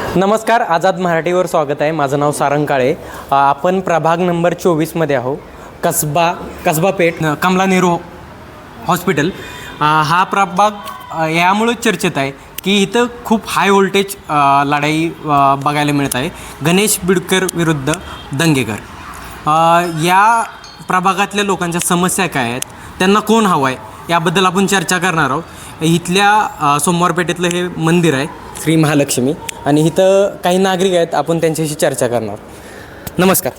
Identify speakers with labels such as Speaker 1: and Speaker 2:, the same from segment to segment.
Speaker 1: नमस्कार, आझाद मराठीवर स्वागत आहे. माझं नाव सारंग काळे. आपण प्रभाग नंबर 24मध्ये आहो. कसबा पेठ कमला नेहरू हॉस्पिटल. हा प्रभाग यामुळे चर्चेत आहे की इथं खूप हाय व्होल्टेज लढाई बघायला मिळत आहे. गणेश बिडकर विरुद्ध दंगेकर. या प्रभागातल्या लोकांच्या समस्या काय आहेत, त्यांना कोण हवं आहे, याबद्दल आपण चर्चा करणार आहोत. इथल्या सोमवार पेठेतलं हे मंदिर आहे श्री महालक्ष्मी, आणि इथं काही नागरिक आहेत, आपण त्यांच्याशी चर्चा करणार. नमस्कार.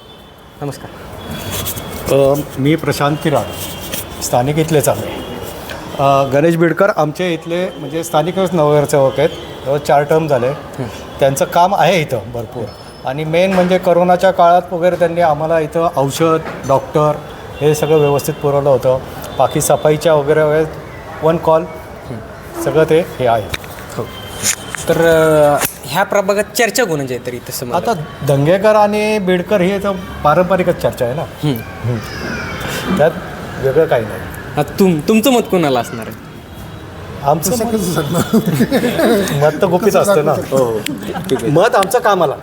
Speaker 2: मी प्रशांत किराड, स्थानिक इथलेच आहे. गणेश बिडकर आमचे इथले म्हणजे स्थानिकच नगरसेवक आहेत. 4 टर्म झाले. त्यांचं काम आहे इथं भरपूर, आणि मेन म्हणजे करोनाच्या काळात वगैरे त्यांनी आम्हाला इथं औषध, डॉक्टर हे सगळं व्यवस्थित पुरवलं होतं. बाकी सफाईच्या वगैरे 1 कॉल सगळं ते हे आहे.
Speaker 1: हो, तर ह्या प्रभागात चर्चा कोणाची आहे तरी तसं
Speaker 2: आता दंगेकर आणि बिडकर ही तर पारंपरिकच चर्चा आहे ना. त्यात वेगळं काही नाही.
Speaker 1: तुमचं मत कोणाला असणार आहे?
Speaker 2: आमचं मत तर गुपित असतं ना.
Speaker 1: हो, ठीक आहे.
Speaker 2: मत आमचं कामाला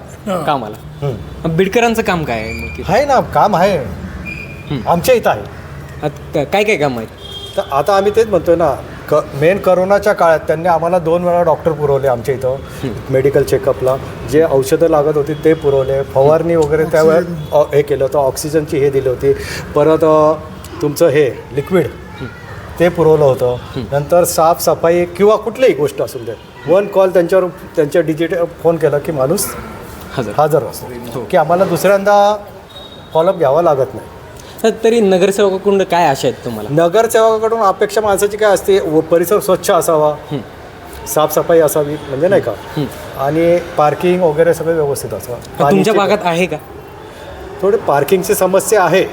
Speaker 1: बिडकरांचं काम काय आहे मग?
Speaker 2: आहे ना, काम आहे आमच्या इथं आहे.
Speaker 1: काय काय काम आहेत?
Speaker 2: तर आता आम्ही तेच म्हणतोय ना, मेन करोनाच्या काळात त्यांनी आम्हाला 2 वेळा डॉक्टर पुरवले आमच्या इथं. मेडिकल चेकअपला जे औषधं लागत होती ते पुरवले. फवारणी वगैरे त्यावेळेस हे केलं होतं. ऑक्सिजनची हे दिली होती. परत तुमचं हे लिक्विड ते पुरवलं होतं. नंतर साफसफाई किंवा कुठलीही गोष्ट असून दे, 1 कॉल त्यांच्या डिजिटल फोन केला की माणूस हजर असतो, की आम्हाला दुसऱ्यांदा फॉलोअप घ्यावा लागत नाही.
Speaker 1: तरी नगरसेवकाकडून काय आशा आहेत तुम्हाला?
Speaker 2: नगरसेवकाकडून अपेक्षा माणसाची काय असते, परिसर स्वच्छ असावा, साफसफाई असावी, म्हणजे नाही का, आणि पार्किंग वगैरे सगळं व्यवस्थित असावं.
Speaker 1: तुमच्या भागात आहे का?
Speaker 2: थोडी पार्किंगची समस्या आहे.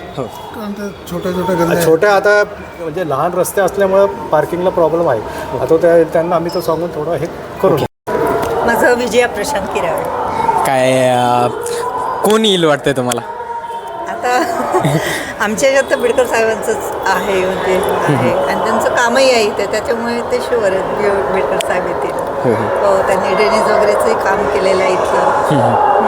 Speaker 2: छोट्या आता म्हणजे लहान रस्ते असल्यामुळं पार्किंगला प्रॉब्लेम आहे. आता त्यांना आम्ही तो सांगून थोडं हे करू.
Speaker 3: माझं विजया प्रशांत किराड.
Speaker 1: काय कोण येईल वाटतंय तुम्हाला?
Speaker 3: आता आमच्या याच्यात तर बिडकर साहेबांचंच आहे, म्हणजे आहे, आणि त्यांचं कामही आहे इथे, त्याच्यामुळे ते शुअर आहेत बिडकर साहेब येतील. हो, त्यांनी ड्रेनेज वगैरेचंही काम केलेलं आहे इथलं.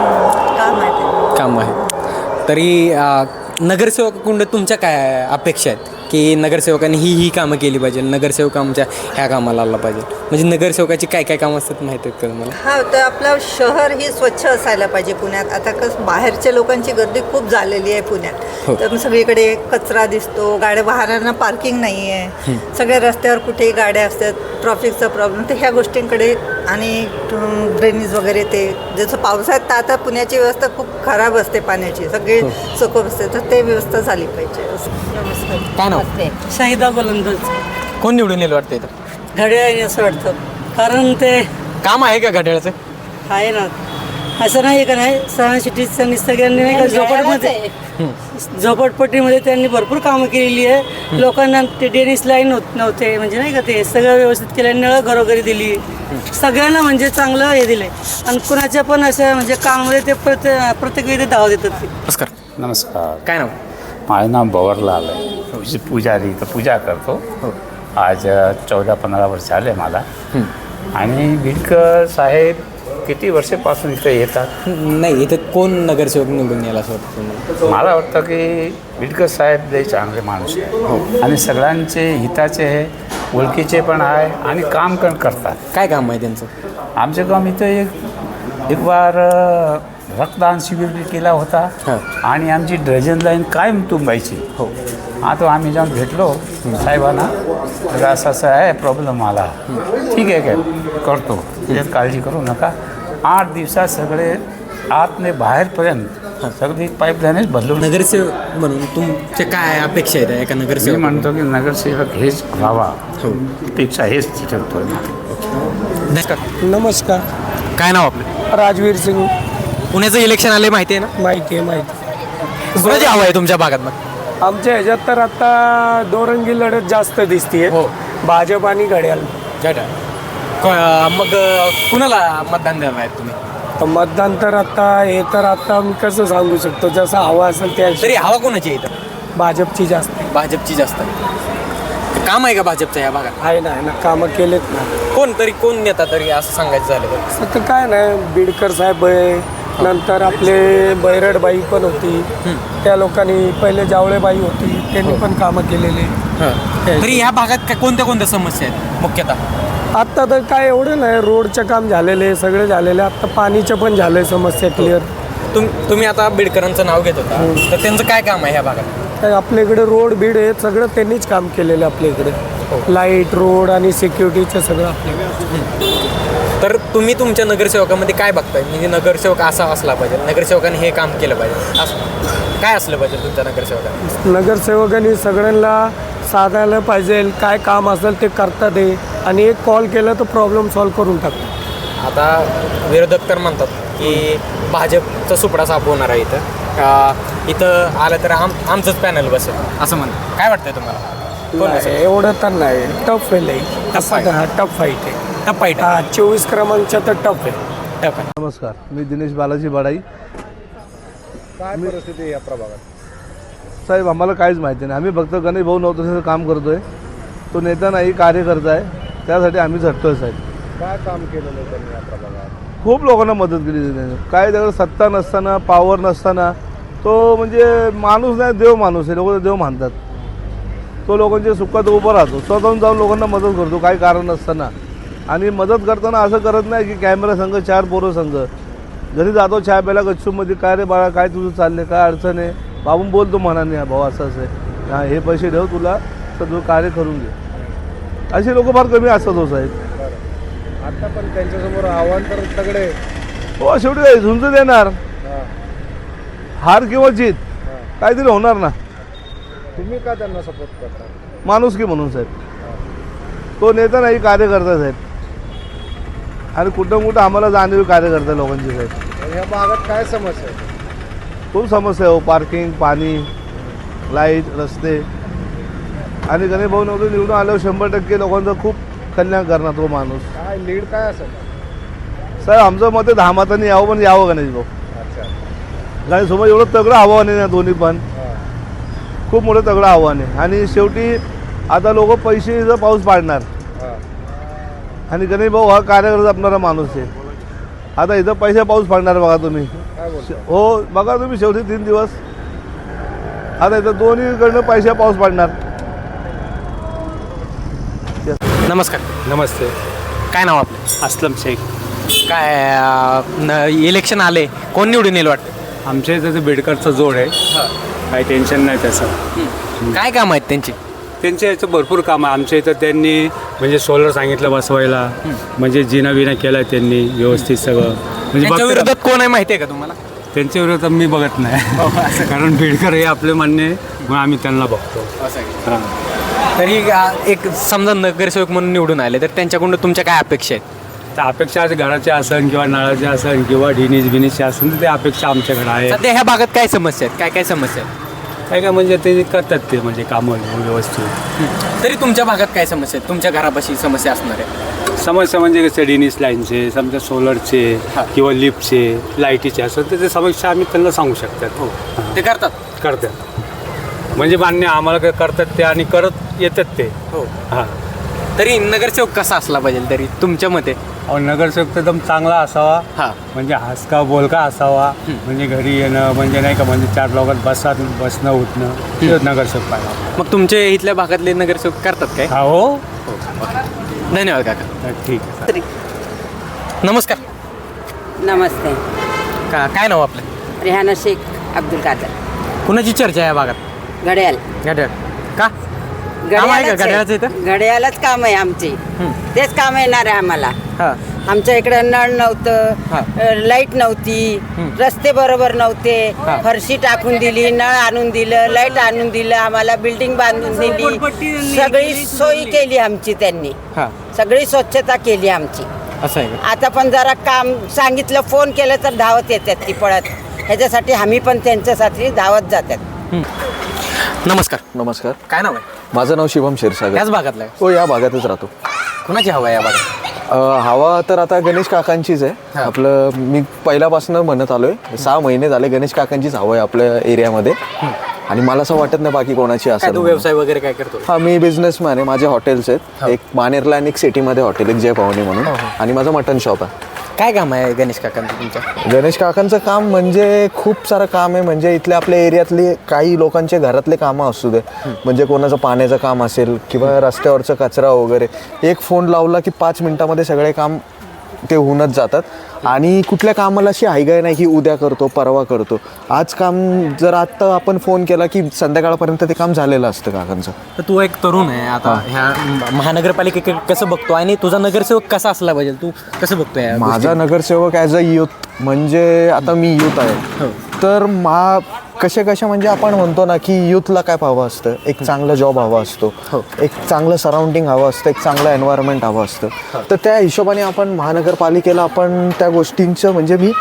Speaker 3: काम आहे.
Speaker 1: तरी नगरसेवकाकडून तुमच्या काय अपेक्षा आहेत की नगरसेवकांनी ही कामं केली पाहिजे, नगरसेवक आमच्या ह्या कामाला आला पाहिजे, म्हणजे नगरसेवकाची काय काय कामं असतात माहीत आहेत का तुम्हाला?
Speaker 3: हां, तर आपलं शहर ही स्वच्छ असायला पाहिजे पुण्यात. आता कसं बाहेरच्या लोकांची गर्दी खूप झालेली आहे पुण्यात. तर सगळीकडे कचरा दिसतो, गाड्या वाहनांना पार्किंग नाही आहे, सगळ्या रस्त्यावर कुठेही गाड्या असतात, ट्रॅफिकचा प्रॉब्लेम. तर ह्या गोष्टींकडे, आणि ड्रेनेज वगैरे, ते जसं पावसाळ्यात तर आता पुण्याची व्यवस्था खूप खराब असते पाण्याची, सगळे चकोप असते, तर ते व्यवस्था झाली पाहिजे. नमस्कार.
Speaker 1: काय नाव?
Speaker 4: शाहिदा गोलंदाज.
Speaker 1: कोण निवडून येईल वाटतं इथं?
Speaker 4: घड्याळ आहे असं वाटतं, कारण ते
Speaker 1: काम आहे का घड्याळाचं?
Speaker 4: आहे ना, असं नाही का, नाही सहा सिटीजनी सगळ्यांनी नाही का झोपडपट्टीमध्ये त्यांनी भरपूर कामं केलेली आहे. लोकांना ते ड्रेनेज लाईन होत नव्हते, म्हणजे नाही का, ते सगळं व्यवस्थित केलं, नळं घरोघरी दिली, सगळ्यांना म्हणजे चांगलं हे दिलं आहे. आणि कुणाच्या पण असं म्हणजे कामामध्ये ते प्रत्येक वेळी धाव देतात.
Speaker 1: नमस्कार. काय नाव?
Speaker 5: माझं नाव बवरलाल आहे. पुजारी इथं पूजा करतो. आज 14-15 वर्ष आले मला. आणि बिडकर साहेब किती वर्षापासून इथं येतात?
Speaker 1: नाही, इथं कोण नगरसेवक निवडून यायला असं वाटतं तुम्हाला?
Speaker 5: मला वाटतं की बिडकर साहेब लई चांगले माणूस आहे, आणि सगळ्यांचे हिताचे आहे, ओळखीचे पण आहे, आणि काम पण करतात.
Speaker 1: काय काम आहे त्यांचं?
Speaker 5: आमचं काम इथं एक बार रक्तदान शिबिर बी केला होता, आणि आमची ड्रेनेज लाईन कायम तुंबायची. आता आम्ही जाऊन भेटलो साहेबांना, तर असं आहे प्रॉब्लेम आला. ठीक आहे, काय करतो, त्यात काळजी करू नका. 8 दिवसात सगळे आतने बाहेरपर्यंत सगळी पाईपलाईनच बदलून.
Speaker 1: नगरसेवक म्हणून तुमच्या काय अपेक्षा आहेत एका
Speaker 5: मी
Speaker 1: नगरसेवक?
Speaker 5: म्हणतो की नगरसेवक हेच व्हावा, पेक्षा हेच ठरतो.
Speaker 6: नमस्कार.
Speaker 1: काय नाव आपलं?
Speaker 6: राजवीर सिंग.
Speaker 1: पुण्याचं इलेक्शन आले माहिती आहे ना?
Speaker 6: माहिती आहे.
Speaker 1: कुणाची हवा आहे तुमच्या भागात मग?
Speaker 6: आमच्या ह्याच्यात तर आता दोरंगी लढत जास्त दिसतीये. भाजप आणि घड्याळ.
Speaker 1: मग कुणाला मतदान देणार आहेत तुम्ही?
Speaker 6: मतदान तर आता मी कसं सांगू शकतो, जसं हवा असेल त्या.
Speaker 1: तरी हवा कोणाची आहे इथं?
Speaker 6: भाजपची जास्त.
Speaker 1: भाजपची जास्त आहे. काम आहे का भाजपचं ह्या भागात?
Speaker 6: आहे ना कामं केलेत ना.
Speaker 1: कोण नेता तरी असं सांगायचं झालं तर?
Speaker 6: आता काय नाही, बीडकर साहेब आहे, नंतर आपले बैरडबाई पण होती, त्या लोकांनी पहिले जावळेबाई होती, त्यांनी पण कामं केलेली.
Speaker 1: तरी ह्या भागात कोणत्या समस्या आहेत मुख्यतः?
Speaker 6: आत्ता तर काय एवढं नाही, रोडचं काम झालेले सगळे झालेले, आत्ता पाणीचं पण झालंय समस्या क्लिअर.
Speaker 1: तुम्ही आता बिडकरांचं नाव घेत होता, तर त्यांचं काय काम आहे ह्या भागात?
Speaker 6: काय आपल्या इकडे रोड बीड आहे सगळं त्यांनीच काम केलेलं आपल्या इकडे, लाईट रोड आणि सिक्युरिटीचं सगळं आपल्याकडे.
Speaker 1: तर तुम्ही तुमच्या नगरसेवकामध्ये काय बघताय? म्हणजे नगरसेवक असा असला पाहिजे, नगरसेवकाने हे काम केलं पाहिजे, काय असलं पाहिजे तुमच्या नगरसेवकाने?
Speaker 6: नगरसेवकांनी सगळ्यांना साधायला पाहिजे, काय काम असेल ते करतात आहे, आणि एक कॉल केला तर प्रॉब्लेम सॉल्व्ह करून टाकतात.
Speaker 1: आता विरोधक तर म्हणतात की भाजपचा सुपडा साफ होणार आहे इथं आलं तर आमचंच पॅनल बसेल असं म्हणतात. काय वाटतंय तुम्हाला? कोण बसेल?
Speaker 6: एवढं तर नाही, टफ आहे लई.
Speaker 1: Tough आहे.
Speaker 6: हा टफ फाईट आहे.
Speaker 1: टप्पा आहे.
Speaker 6: 24 क्रमांकच्या तर टफ आहे.
Speaker 1: टप आहे.
Speaker 7: नमस्कार, मी दिनेश बालाजी बडाई.
Speaker 2: काय परिस्थिती आहे या प्रभागात?
Speaker 7: साहेब, आम्हाला काहीच माहिती नाही. आम्ही फक्त गणेश भाऊ नव्हतं काम करतोय. तो नेता नाही, कार्यकर्ता आहे, त्यासाठी आम्ही झटतोय साहेब.
Speaker 2: काय काम केलेलं त्यांनी या प्रभागात?
Speaker 7: खूप लोकांना मदत केली त्याने. काय त्याकडे सत्ता नसताना, पॉवर नसताना तो म्हणजे माणूस नाही, देव माणूस आहे. लोक देव मानतात. तो लोकांच्या सुखात उभा राहतो, स्वतःहून जाऊन लोकांना मदत करतो काही कारण नसताना. आणि मदत करताना असं करत नाही की कॅमेरा संघ 4 पोरं संघ. घरी जातो चहा प्यायला गच्चूमध्ये, काय रे बाळा काय तुझं चाललंय, काय अडचण आहे, बाबून बोलतो मनाने, भाऊ असं असं आहे, हां हे पैसे ठेव, तुला तर तुझं कार्य करून घे. असे लोक फार कमी असतात हो साहेब.
Speaker 2: आता पण त्यांच्यासमोर आव्हान तर तगडे.
Speaker 7: हो, शेवटी झुंज देणार, हार किंवा जीत काहीतरी होणार ना.
Speaker 2: तुम्ही का त्यांना सपोर्ट करता?
Speaker 7: माणुसकी म्हणून साहेब. तो नेता नाही, कार्यकर्ता साहेब. आणि कुठं आम्हाला जाणीव कार्यकर्ता लोकांची साहेब.
Speaker 2: या भागात काय समस्या आहे?
Speaker 7: खूप समस्या आहे हो, पार्किंग, पाणी, लाईट, रस्ते. आणि गणेश भाऊ नव्हतं निवडून आल्यावर 100% लोकांचं खूप कल्याण करणार तो माणूस.
Speaker 2: काय लीड काय असेल?
Speaker 7: साहेब, आमचं मत आहे 10 मतांनी यावं, पण यावं गणेश भाऊ.
Speaker 2: अच्छा.
Speaker 7: गणेशसोबत एवढं तगडं आव्हान आहे ना, दोन्ही पण खूप मोठं तगडं आव्हान आहे. आणि शेवटी आता लोक पैसेचा पाऊस पाडणार, आणि गणेश भाऊ हा कार्यकर्ता जपणारा माणूस आहे. आता इथं पैसा पाऊस पाडणार बघा तुम्ही. हो, बघा तुम्ही शेवटी 3 दिवस आता इथं दोन्हीकडनं पैसा पाऊस पाडणार.
Speaker 1: नमस्कार.
Speaker 8: नमस्ते.
Speaker 1: काय नाव आपलं?
Speaker 8: असलम शेख.
Speaker 1: काय इलेक्शन आले, कोण निवडून येईल वाटतं?
Speaker 8: आमच्या इथं ते बेडकरचा जोड आहे, काही टेन्शन नाही त्याचं.
Speaker 1: काय काम आहेत त्यांची?
Speaker 8: त्यांच्या याचं भरपूर काम आहे. आमच्या इथं त्यांनी म्हणजे सोलर सांगितलं बसवायला, म्हणजे जिना विना केला त्यांनी व्यवस्थित सगळं. म्हणजे
Speaker 1: त्यांच्या विरोधात कोण आहे माहिती आहे का तुम्हाला?
Speaker 8: त्यांच्या विरोधात मी बघत नाही, कारण बेडकर हे आपले मान्य आहे, मग आम्ही त्यांना बघतो. हां.
Speaker 1: तरी एक समजा नगरसेवक म्हणून निवडून आले तर त्यांच्याकडून तुमच्या काय अपेक्षा आहेत?
Speaker 8: तर अपेक्षा आज घराच्या असन किंवा नळाच्या असन किंवा ढिनीचे असन, तर ते अपेक्षा आमच्याकडे आहे.
Speaker 1: सध्या ह्या भागात काय समस्या आहेत? काय समस्या आहेत?
Speaker 8: काय म्हणजे ते करतात ते म्हणजे कामं व्यवस्थित.
Speaker 1: तरी तुमच्या भागात काय समस्या आहेत? तुमच्या घरापाशी समस्या असणार आहे?
Speaker 8: समस्या म्हणजे कसे डिनिस लाईनचे, समजा सोलरचे किंवा लिफ्टचे, लाईटीचे असं तर ते समस्या आम्ही त्यांना सांगू शकतात. हो,
Speaker 1: ते करतात
Speaker 8: म्हणजे मान्य आम्हाला काय करतात ते आणि करत येतात ते.
Speaker 1: हो.
Speaker 8: हां.
Speaker 1: तरी नगरसेवक कसा असला पाहिजे तरी तुमच्या मते?
Speaker 8: नगरसेवक एकदम चांगला असावा, म्हणजे हसका बोलका असावा, म्हणजे घरी येणं म्हणजे नाही का, म्हणजे 4 लोकांत बसणं उठणं, ते नगरसेवक पाहिजे.
Speaker 1: मग तुमच्या इथल्या भागातले नगरसेवक करतात काय?
Speaker 8: हो.
Speaker 1: धन्यवाद काका.
Speaker 8: ठीक आहे.
Speaker 1: नमस्कार.
Speaker 9: नमस्ते.
Speaker 1: काय नाव आपलं?
Speaker 9: रेहाना शेख अब्दुल कादर.
Speaker 1: कुणाची चर्चा आहे या भागात?
Speaker 9: घड्याळ.
Speaker 1: घड्याळ का? काम आहे का घड्याळाचं इथं?
Speaker 9: घड्याळच काम आहे आमची, तेच काम येणार आहे आम्हाला. आमच्या इकडे नळ नव्हतं, लाईट नव्हती, रस्ते बरोबर नव्हते, फरशी टाकून दिली, नळ आणून दिलं, लाईट आणून दिलं, आम्हाला बिल्डिंग बांधून दिली, सगळी सोयी केली आमची त्यांनी, सगळी स्वच्छता केली आमची.
Speaker 1: असं आहे का?
Speaker 9: आता पण जरा काम सांगितलं, फोन केलं तर धावत येतात ती पळत. ह्याच्यासाठी आम्ही पण त्यांच्यासाठी धावत जातात.
Speaker 1: नमस्कार.
Speaker 10: नमस्कार.
Speaker 1: काय नाव आहे?
Speaker 10: माझं नाव शिवम क्षीरसागर.
Speaker 1: याच भागातला आहे?
Speaker 10: हो, या भागातच राहतो.
Speaker 1: कुणाची हवा आहे या भागात?
Speaker 10: हवा तर आता गणेश काकांचीच आहे. आपलं मी पहिल्यापासून म्हणत आलोय, 6 महिने झाले गणेश काकांचीच हवा आहे आपल्या एरियामध्ये. आणि मला असं वाटत नाही बाकी कोणाची
Speaker 1: काय
Speaker 10: असेल
Speaker 1: तू व्यवसाय वगैरे काय करतो?
Speaker 10: हा, मी बिझनेसमॅन आहे. माझे हॉटेल्स आहेत. एक मानेरला आणि एक सिटीमध्ये हॉटेल एक जय पाहुणे म्हणून, आणि माझं मटन शॉप आहे.
Speaker 1: काय काम आहे गणेश काकांचं तुमच्या?
Speaker 10: गणेश काकांचं काम म्हणजे खूप सारं काम आहे. म्हणजे इथल्या आपल्या एरियातले काही लोकांचे घरातले कामं असू दे, म्हणजे कोणाचं पाण्याचं काम असेल किंवा रस्त्यावरचं कचरा वगैरे, एक फोन लावला की 5 मिनिटामध्ये सगळे काम ते होऊनच जातात. आणि कुठल्या कामाला अशी हायगाय नाही की उद्या करतो परवा करतो. आज काम जर आत्ता आपण फोन केला की संध्याकाळपर्यंत ते काम झालेलं असतं काकांचं.
Speaker 1: तर तू एक तरुण आहे आता, ह्या महानगरपालिकेकडे कसं बघतो आणि तुझा नगरसेवक कसा असला पाहिजे, तू कसं बघतोय?
Speaker 10: माझा नगरसेवक ॲज अ यूथ, म्हणजे आता मी यूथ आहे, तर कशा म्हणजे आपण म्हणतो ना की यूथला काय हवं असतं, एक चांगला जॉब हवा असतो, एक चांगलं सराउंडिंग हवं असतं, एक चांगलं एन्व्हायरमेंट हवं असतं. तर त्या हिशोबाने आपण महानगरपालिकेला आपण त्या गोष्टींचं म्हणजे मी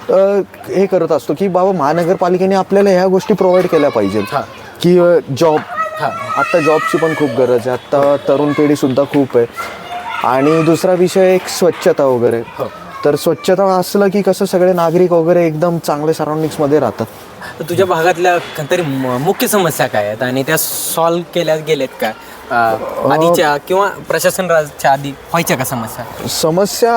Speaker 10: हे करत असतो की बाबा महानगरपालिकेने आपल्याला ह्या गोष्टी प्रोव्हाइड केल्या पाहिजेत. की जॉब, आत्ता जॉबची पण खूप गरज आहे, आत्ता तरुण पिढीसुद्धा खूप आहे. आणि दुसरा विषय एक स्वच्छता वगैरे. तर स्वच्छता असलं की कसं सगळे नागरिक वगैरे एकदम चांगले सराउंडिंग्समध्ये राहतात.
Speaker 1: तर तुझ्या भागातल्या तरी मुख्य समस्या काय आहेत आणि त्या सॉल्व्ह केल्या गेल्यात का आधीच्या किंवा प्रशासन राजच्या आधी व्हायच्या का
Speaker 10: समस्या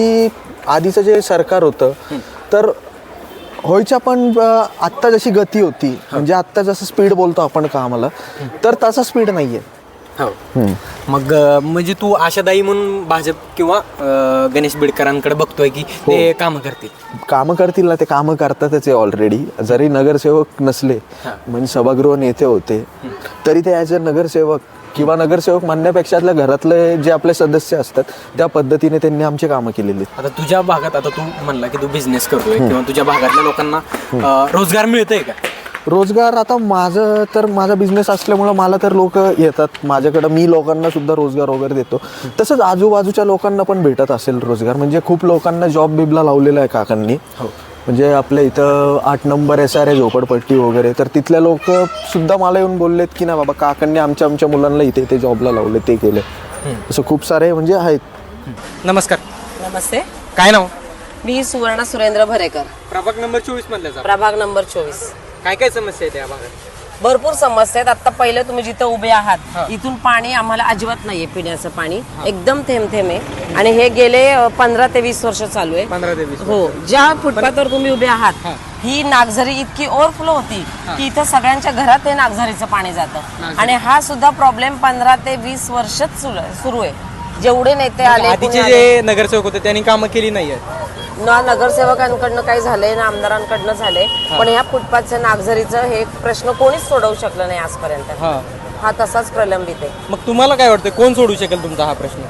Speaker 10: आधीचं जे सरकार होतं तर व्हायच्या, पण आत्ता जशी गती होती, म्हणजे आत्ता जसं स्पीड बोलतो आपण कामाला, तर तसा स्पीड नाही आहे.
Speaker 1: हो. मग म्हणजे तू आशादायी म्हणून भाजप किंवा गणेश बिडकरांकडे बघतोय की ते कामं करतील
Speaker 10: ना, ते कामं करतातच आहे ऑलरेडी. जरी नगरसेवक नसले, म्हणजे सभागृह नेते होते, तरी ते ॲज अ नगरसेवक किंवा नगरसेवक म्हणण्यापेक्षा घरातले जे आपले सदस्य असतात त्या पद्धतीने त्यांनी आमची कामं केलेली.
Speaker 1: आता तुझ्या भागात, आता तू म्हणला की तू बिझनेस करतोय किंवा तुझ्या भागातल्या लोकांना रोजगार मिळतोय का?
Speaker 10: रोजगार आता माझा बिझनेस असल्यामुळं मला तर लोक येतात माझ्याकडं, मी लोकांना सुद्धा रोजगार वगैरे देतो. तसंच आजूबाजूच्या लोकांना पण भेटत असेल रोजगार. म्हणजे खूप लोकांना जॉब बिबला लावलेला आहे काकांनी. म्हणजे आपल्या इथं 8 नंबर SR आहे झोपडपट्टी वगैरे, तर तिथल्या लोक सुद्धा मला येऊन बोललेत की ना बाबा काकांनी आमच्या मुलांना इथे जॉबला लावले, ते केले. असं खूप सारे म्हणजे आहेत.
Speaker 1: नमस्कार.
Speaker 11: नमस्ते.
Speaker 1: काय नाव?
Speaker 11: मी सुवर्णा सुरेंद्र भरेकर,
Speaker 1: प्रभाग नंबर 24 मधल्या.
Speaker 11: प्रभाग नंबर 24.
Speaker 1: काय काय समस्या आहेत या भागात?
Speaker 11: भरपूर समस्या आहेत. आता पहिलं तुम्ही जिथं उभे आहात इथून पाणी आम्हाला अजिबात नाहीये, पिण्याचं पाणी एकदम थेंब थेंब आहे. आणि हे गेले 15 ते 20 वर्ष चालू आहे.
Speaker 1: 15 ते 20.
Speaker 11: हो. ज्या फुटपाथवर तुम्ही उभे आहात ही नागझरी इतकी ओव्हरफ्लो होती की इथं सगळ्यांच्या घरात हे नागझरीचं पाणी जातं. आणि हा सुद्धा प्रॉब्लेम 15 ते 20 वर्षच सुरू आहे. जेवढे नेते आले,
Speaker 1: आधीचे जे नगरसेवक होते त्यांनी कामं केली नाहीये
Speaker 11: ना नगरसेवकांकडनं काही झालंय ना आमदारांकडनं झालंय. पण ह्या फुटपाथचं नागझरीचं हे प्रश्न कोणीच सोडवू शकलं नाही आजपर्यंत. हा तसाच प्रलंबित आहे.
Speaker 1: मग तुम्हाला काय वाटतं कोण सोडू शकेल तुमचा हा प्रश्न?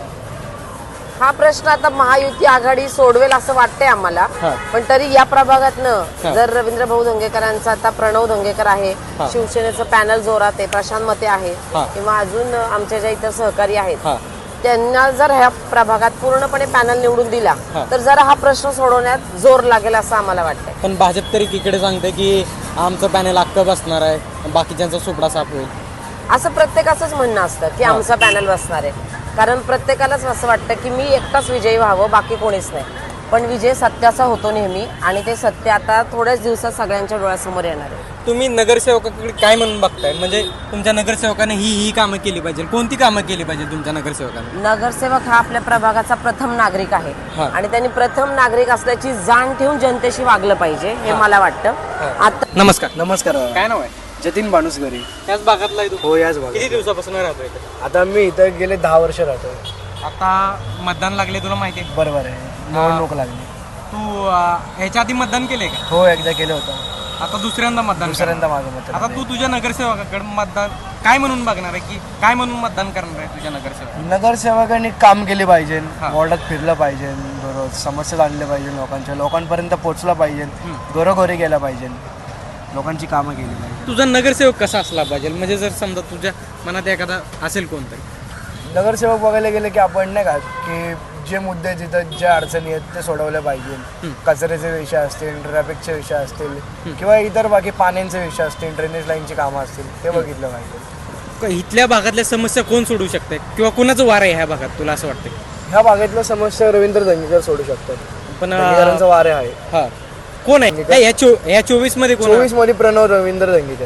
Speaker 11: हा प्रश्न आता महायुती आघाडी सोडवेल असं वाटतंय आम्हाला. पण तरी या प्रभागातनं जर रवींद्र भाऊ धंगेकरांचा, आता प्रणव धंगेकर आहे, शिवसेनेचं पॅनल जोरात आहे, प्रशांत मते आहे, किंवा अजून आमच्या ज्या इतर सहकारी आहेत, त्यांना जर ह्या प्रभागात पूर्णपणे पॅनल निवडून दिला तर जरा हा प्रश्न सोडवण्यात जोर लागेल असं आम्हाला वाटतंय.
Speaker 1: पण भाजप तरी इकडे सांगते की आमचं पॅनल अख्खं बसणार आहे, बाकीच्यांचा सुपडा साफ होईल.
Speaker 11: असं प्रत्येकाचंच म्हणणं असतं की आमचा पॅनल बसणार आहे. कारण प्रत्येकालाच असं वाटतं की मी एकटाच विजयी व्हावं, बाकी कोणीच नाही. पण विजय सत्याचा होतो नेहमी, आणि ते सत्य आता थोड्याच दिवसात सगळ्यांच्या डोळ्यासमोर येणार आहे.
Speaker 1: तुम्ही नगरसेवकाकडे काय म्हणून बघताय? म्हणजे तुमच्या नगरसेवकाने ही कामं केली पाहिजे, कोणती कामं केली पाहिजे तुमच्या नगरसेवकाने?
Speaker 11: नगरसेवक हा आपल्या प्रभागाचा प्रथम नागरिक आहे आणि त्यांनी प्रथम नागरिक असल्याची जाण ठेवून जनतेशी वागलं पाहिजे, हे मला वाटतं. आता
Speaker 1: नमस्कार. काय नाव आहे?
Speaker 6: जतीन भानुसगरी.
Speaker 1: याच भागातला आहे तू?
Speaker 6: हो, याच भागात.
Speaker 1: किती दिवसापासून राहतोय?
Speaker 6: आता मी इथं गेले 10 वर्ष राहतोय.
Speaker 1: आता मतदान लागले, तुला माहिती आहे?
Speaker 6: बरोबर आहे, निवडणूक लागली.
Speaker 1: तू ह्याच्या आधी मतदान केलंय का?
Speaker 6: हो, एकदा केलं होतं.
Speaker 1: आता दुसऱ्यांदा मतदान
Speaker 6: माझं मत.
Speaker 1: आता तू तुझ्या नगरसेवकाकडे मतदान काय म्हणून बघणार आहे, की काय म्हणून मतदान करणार आहे तुझ्या
Speaker 6: नगरसेवकांनी काम केले पाहिजे, वॉर्डात फिरलं पाहिजे, बरोबर समस्या जाणल्या पाहिजे, लोकांपर्यंत पोहोचलं पाहिजे, घरोघरी गेला पाहिजे, लोकांची कामं केली पाहिजे.
Speaker 1: तुझा नगरसेवक कसा असला पाहिजे? म्हणजे जर समजा तुझ्या मनात एखादा असेल कोणतरी
Speaker 6: नगरसेवक बघायला गेले की आपण नाही का की जे मुद्दे तिथं ज्या अडचणी आहेत ते सोडवल्या पाहिजे. कचऱ्याचे विषय असतील, ट्रॅफिकचे विषय असतील, किंवा इतर बाकी पाण्याचे विषय असतील, ड्रेनेज लाईनची कामं असतील, ते बघितलं पाहिजे.
Speaker 1: इथल्या भागातल्या समस्या कोण सोडू शकते किंवा कुणाचं वार आहे ह्या भागात तुला असं वाटतं?
Speaker 6: ह्या भागातल्या समस्या रवींद्र धंगेकर सोडू शकतात.
Speaker 1: पण
Speaker 6: वारे आहे.
Speaker 1: कोण आहे या 24 मध्ये?
Speaker 6: 24 मध्ये प्रणव रवींद्र धंगेकर.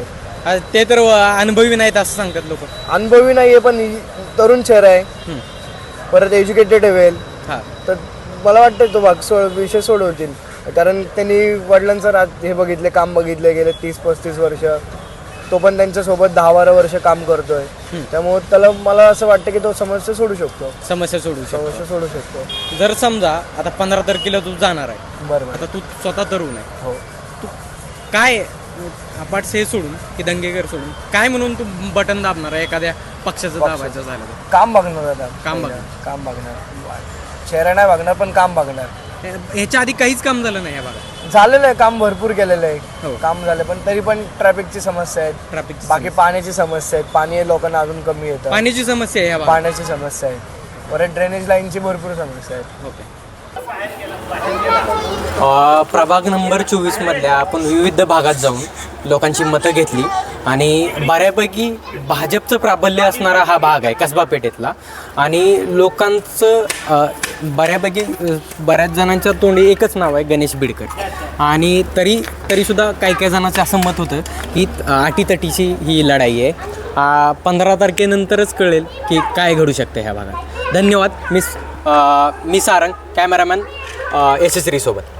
Speaker 1: ते तर अनुभवी नाहीत असं सांगतात लोक.
Speaker 6: अनुभवी नाही आहे पण तरुण चेहरा आहे, परत एज्युकेटेड आहे वेल,
Speaker 1: हां
Speaker 6: तर मला वाटतं तो भाग विषय सोडवतील. कारण त्यांनी वडिलांचं हे बघितले, काम बघितले गेले 30-35 वर्ष. तो पण त्यांच्यासोबत 10-12 वर्ष काम करतोय, त्यामुळे त्याला मला असं वाटतं की तो समस्या सोडू शकतो.
Speaker 1: समस्या सोडू
Speaker 6: शकतो.
Speaker 1: जर समजा आता 15 तारखेला तू जाणार आहे,
Speaker 6: बरोबर.
Speaker 1: आता तू स्वतः तरुण आहे,
Speaker 6: हो.
Speaker 1: तू काय अपाट हे सोडून की दंगेकर सोडून काय म्हणून तू बटन दाबणार आहे एखाद्या पक्षाचं दाबायचं झालं तर?
Speaker 6: काम बघणार आता.
Speaker 1: काम
Speaker 6: बघणार चेहरा नाही बघणार पण काम बघणार.
Speaker 1: ह्याच्या आधी काहीच काम झालं नाही या भागात.
Speaker 6: झालेलं आहे काम, भरपूर केलेलं आहे
Speaker 1: हो.
Speaker 6: काम झालं, पण तरी पण ट्रॅफिकची समस्या आहेत,
Speaker 1: ट्रॅफिक
Speaker 6: बाकी पाण्याची समस्या आहेत. पाणी लोकांना अजून कमी येतं,
Speaker 1: पाण्याची समस्या आहे या भागात.
Speaker 6: पाण्याची समस्या आहे, परत ड्रेनेज लाईनची भरपूर समस्या आहेत.
Speaker 1: ओके. प्रभाग नंबर 24 मधल्या आपण विविध भागात जाऊन लोकांची मतं घेतली आणि बऱ्यापैकी भाजपचं प्राबल्य असणारा हा भाग आहे कसबा पेठेतला. आणि लोकांचं बऱ्यापैकी बऱ्याच जणांच्या तोंडी एकच नाव आहे गणेश बिडकर. आणि तरीसुद्धा काही जणांचं असं मत होतं की अटीतटीची ही लढाई आहे. 15 तारखेनंतरच कळेल की काय घडू शकतं ह्या भागात. धन्यवाद. मी सारंग, कॅमेरामॅन SSRI सोबत.